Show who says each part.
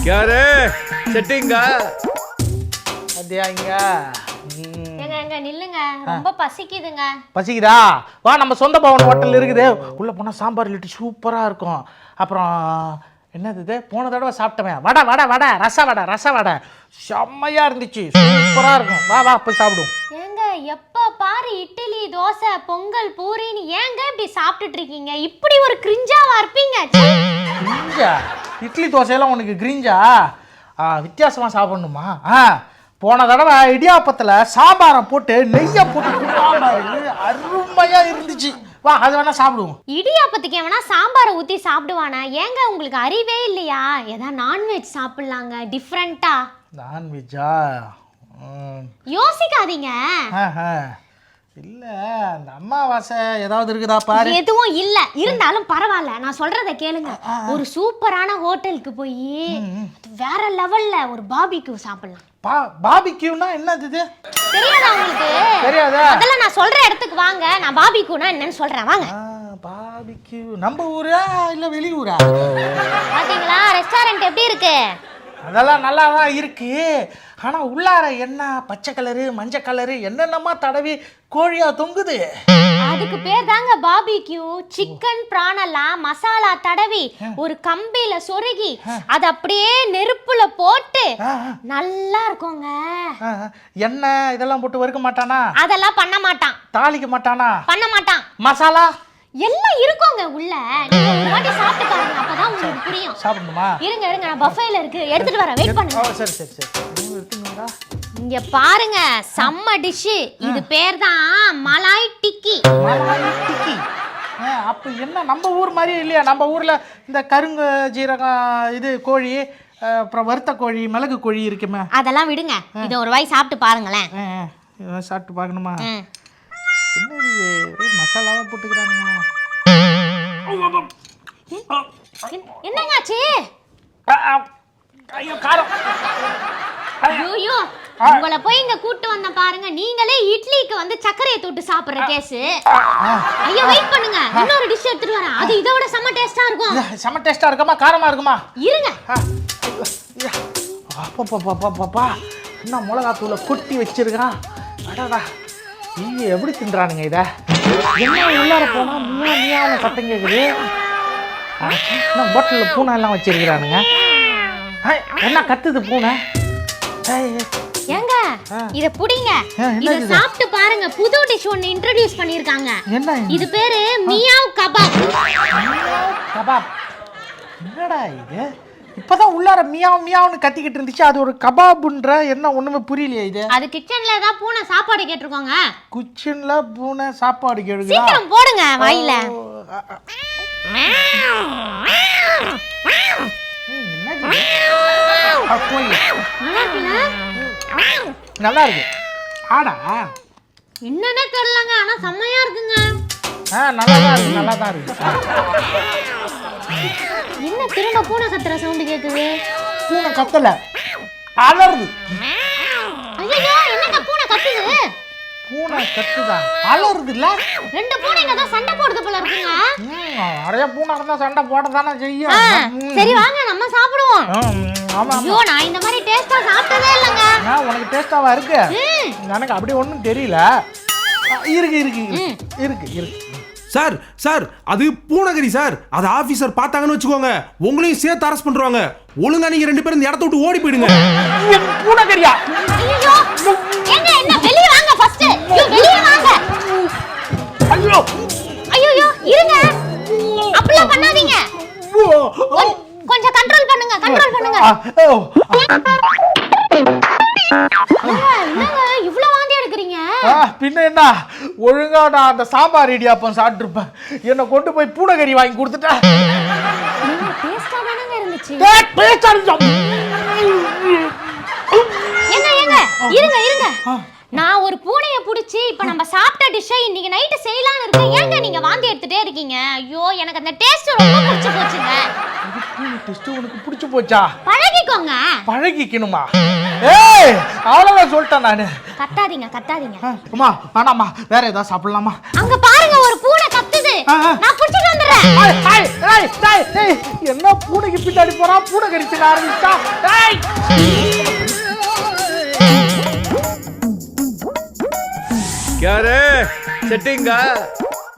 Speaker 1: யாரு செட்டிங்கா
Speaker 2: அத்தியாங்க
Speaker 3: எங்க நில்லுங்க, ரொம்ப பசிக்குதுங்க.
Speaker 2: பசிக்குதா? வா, நம்ம சொந்த பவன் ஹோட்டல் இருக்குது, உள்ள போனா சாம்பார் லிட்டி சூப்பரா இருக்கும். அப்புறம் என்னது இது, போன தடவை சாப்பிட்டவன் வடை வடை வடை ரச வடை செம்மையா இருந்துச்சு, சூப்பரா இருக்கும். வா வா போய் சாப்பிடுவோம்.
Speaker 3: ஏங்க எப்ப பாரு இட்லி தோசை பொங்கல் பூரின்னு ஏங்க இப்படி சாப்பிட்டுட்டு இருக்கீங்க? இப்படி ஒரு கிரிஞ்சாவா இருப்பீங்க?
Speaker 2: கிரிஞ்சா? இட்லி தோசையெல்லாம் உனக்கு கிரிஞ்சா? வித்தியாசமா சாப்பிடணுமா? போன தடவை இடியாப்பத்தில் சாம்பாரை போட்டு நெய்யை போட்டு அருமையா இருந்துச்சு. வா, அது வேணா சாப்பிடுவோம்.
Speaker 3: இடியாப்பத்துக்கு எவனா சாம்பாரை ஊற்றி சாப்பிடுவானா? ஏங்க உங்களுக்கு அறிவே இல்லையா? ஏதாவது நான்வெஜ் சாப்பிடலாங்க டிஃப்ரெண்டா.
Speaker 2: நான்வெஜ்ஜா?
Speaker 3: யோசிக்காதீங்க.
Speaker 2: இல்ல, அந்த அம்மாவாசை ஏதாவது இருக்குதா பாரு.
Speaker 3: எதுவும் இல்ல, இருந்தாலும் பரவாயில்ல, நான் சொல்றத கேளுங்க. ஒரு சூப்பரான ஹோட்டலுக்கு போய் வேற லெவல்ல ஒரு பார்பிக்யூ சாப்பிடலாம்.
Speaker 2: பார்பிக்யூனா என்னது?
Speaker 3: தெரியாதா உங்களுக்கு?
Speaker 2: தெரியாதா?
Speaker 3: அதெல்லாம் நான் சொல்ற இடத்துக்கு வாங்க, நான் பார்பிக்யூனா என்னன்னு சொல்றேன் வாங்க.
Speaker 2: பார்பிக்யூ நம்ம ஊரா இல்ல வெளியூரா?
Speaker 3: பாத்தீங்களா ரெஸ்டாரண்ட் எப்படி இருக்கு?
Speaker 2: அதெல்லாம் நல்லா தான் இருக்கு. ஆனா உள்ளார என்ன பச்சை கலரு மஞ்சள் கலரு என்னென்னமா தடவி கோழியா தொங்குது.
Speaker 3: அதுக்கு பேர் தாங்க பார்பிக்யூ. சிக்கன் பிரானெல்லாம் மசாலா தடவி ஒரு கம்பியில சொருகி அது அப்படியே நெருப்புல போட்டு நல்லா இருக்குங்க.
Speaker 2: எண்ணெய் இதெல்லாம் போட்டு வறுக்க மாட்டானா?
Speaker 3: அதெல்லாம் பண்ண மாட்டான்.
Speaker 2: தாளிக்க மாட்டானா?
Speaker 3: பண்ண மாட்டான்.
Speaker 2: மசாலா
Speaker 3: எல்லாம் இருக்குங்க உள்ள. நீங்க ஒரு வாட்டி சாப்பிட்டு பாருங்க, அப்பதான் உங்களுக்கு புரியும்.
Speaker 2: சாப்பிடணுமா?
Speaker 3: இருங்க நான் பஃபேல இருக்கு, எடுத்துட்டு வரேன், வெயிட் பண்ணுங்க.
Speaker 2: சரி சரி சரி, எடுத்துங்களா?
Speaker 3: இங்க பாருங்க, செம்ம டிஷ். இது பேர் தான் மலாய் டிக்கி.
Speaker 2: மலாய் டிக்கி? அப்ப என்ன நம்ம ஊர் மாதிரி இல்லையா? நம்ம ஊர்ல இந்த கருங்க ஜீரகம் இது கோழி, அப்புறம் வறுத்த கோழி மிளகு கோழி இருக்குமே.
Speaker 3: அதெல்லாம் விடுங்க, இதை ஒரு வாய் சாப்பிட்டு பாருங்களேன்.
Speaker 2: சாப்பிட்டு பார்க்கணுமா? என்னது ஒரே மசாலாவா போட்டுக்கிறானுங்க.
Speaker 3: என்னங்காச்சு?
Speaker 2: ஐயோ காரம்.
Speaker 3: ஐயோ உங்களை போய் இங்க கூட்டு வந்த பாருங்க, நீங்களே இட்லிக்கு வந்து சர்க்கரையை தொட்டு சாப்பிடுற கேஸ். ஐயோ வெயிட் பண்ணுங்க, இன்னொரு டிஷ் எடுத்துட்டு வரேன், அது இதை விட செம்ம டேஸ்டா இருக்கும்.
Speaker 2: செம்ம டேஸ்டா இருக்குமா காரமா இருக்குமா?
Speaker 3: இருங்க.
Speaker 2: அப்பா என்ன மிளகாத்தூளை கொட்டி வச்சிருக்கான். அடாடா, நீங்க எப்படி தின்றானுங்க இதை? என்ன உள்ளார போனா மியாவும் சத்தம் கேட்குது. பாட்டிலில் பூனை எல்லாம் வச்சிருக்கிறானுங்க. என்ன கத்துது பூனை?
Speaker 3: ஏங்க இத புடிங்க, இத சாப்பிட்டு பாருங்க. புது டிஷ் ஒன்னு இன்ட்ரோ듀ஸ் பண்ணிருக்காங்க.
Speaker 2: என்ன
Speaker 3: இது பேரு மியாவ் கபாப்.
Speaker 2: கபாப்? என்னடா இது? இப்பதான் உள்ளார மியாவ் மியாவ்னு கத்திக்கிட்டு இருந்துச்சு, அது ஒரு கபாப்ன்ற என்ன ஒண்ணுமே புரியலையே இது.
Speaker 3: அது கிச்சன்ல தான் பூனை சாப்பாடு கேட்டிருக்காங்க.
Speaker 2: கிச்சன்ல பூனை சாப்பாடு கேக்குதா?
Speaker 3: சீக்கிரம் போடுங்க வாயில.
Speaker 2: நல்லா இருக்கு. ஆடா
Speaker 3: என்னன்னே தெரியலங்க, ஆனா செம்மையா இருக்குங்க.
Speaker 2: நல்லா தான் இருக்கு.
Speaker 3: என்ன திரும்ப பூனை கத்துற சவுண்ட் கேக்குது?
Speaker 2: பூனை கத்தல, அலறுது.
Speaker 3: ஐயோ என்னங்க பூனை கத்துது?
Speaker 2: பூனை கத்துதா? அலறுது இல்ல?
Speaker 3: ரெண்டு பூனைங்க தான் சண்டை போடுது போல இருக்குங்க.
Speaker 2: நிறைய பூனை இருந்தா சண்டை போடதானே செய்யும்.
Speaker 3: சரி வாங்க நம்ம சாப்பிடுவோம்.
Speaker 2: ஆமா.
Speaker 3: ஐயோ நான் இந்த மாதிரி டேஸ்டா சாப்பிட்டதே இல்லங்க.
Speaker 2: உனக்கு டேஸ்டாவா இருக்கு? எனக்கு அப்படி ஒண்ணும் தெரியல. இருக்கு இருக்கு இருக்கு இருக்கு.
Speaker 4: சார் சார், அது பூனகிரி சார். அது ஆபீசர் பார்த்தாங்கன்னு வச்சுக்கோங்க, உங்களையும் சேர்த்து அரெஸ்ட் பண்றாங்க. ஒழுங்கா நீங்க ரெண்டு பேரும் இந்த இடத்த விட்டு ஓடி போயிடுங்க.
Speaker 2: பூனகிரியா?
Speaker 3: ஐயோ எங்க என்ன வெளிய வாங்க ஃபர்ஸ்ட். ஐயோ வெளிய வாங்க.
Speaker 2: ஐயோ
Speaker 3: ஐயோ இருங்க, அப்படிலாம் பண்ணாதீங்க. கொஞ்சம் கண்ட்ரோல் பண்ணுங்க, கண்ட்ரோல் பண்ணுங்க. என்னங்க இவ்ளோ வாந்தி எடுக்குறீங்க?
Speaker 2: பின்ன என்ன, ஒழுங்கா நான் அந்த சாம்பார் இடியாப்பம் சாப்பிட்டுருப்பேன், என்னை கொண்டு போய் பூனகரி வாங்கி கொடுத்துட்டா.
Speaker 3: டேஸ்டா தானங்க இருந்துச்சு.
Speaker 2: ஏங்க
Speaker 3: இருங்க இருங்க, நான் ஒரு பூனையை பிடிச்சி இப்ப நம்ம சாப்பிட்ட டிஷ்ஷை இன்னைக்கு நைட்டு செய்யலான்னு இருக்கேன். ஏங்க நீங்க வாந்தி எடுத்துட்டே இருக்கீங்க? ஐயோ எனக்கு அந்த டேஸ்ட் ரொம்ப பிடிச்சு போச்சுங்க.
Speaker 2: டேஸ்ட் உனக்கு பிடிச்சு போச்சா?
Speaker 3: பழகிக்கோங்க.
Speaker 2: பழகிக்கணுமா? ஏய் அவ்வளவுதான் சொல்லிட்டேன் நானு.
Speaker 3: கத்தாதீங்க கத்தாதீங்க.
Speaker 2: அம்மா வேணாம்மா, வேற ஏதாவது சாப்பிடலாமா?
Speaker 3: அங்க பாருங்க ஒரு பூனை கத்துது. நான் புடிச்சிட்டு வந்துறேன்.
Speaker 2: என்ன பூனைக்கு பின்னாடி போறா, பூனை கடிச்சு ஆரம்பிச்சா.
Speaker 1: क्या रे सेटिंग का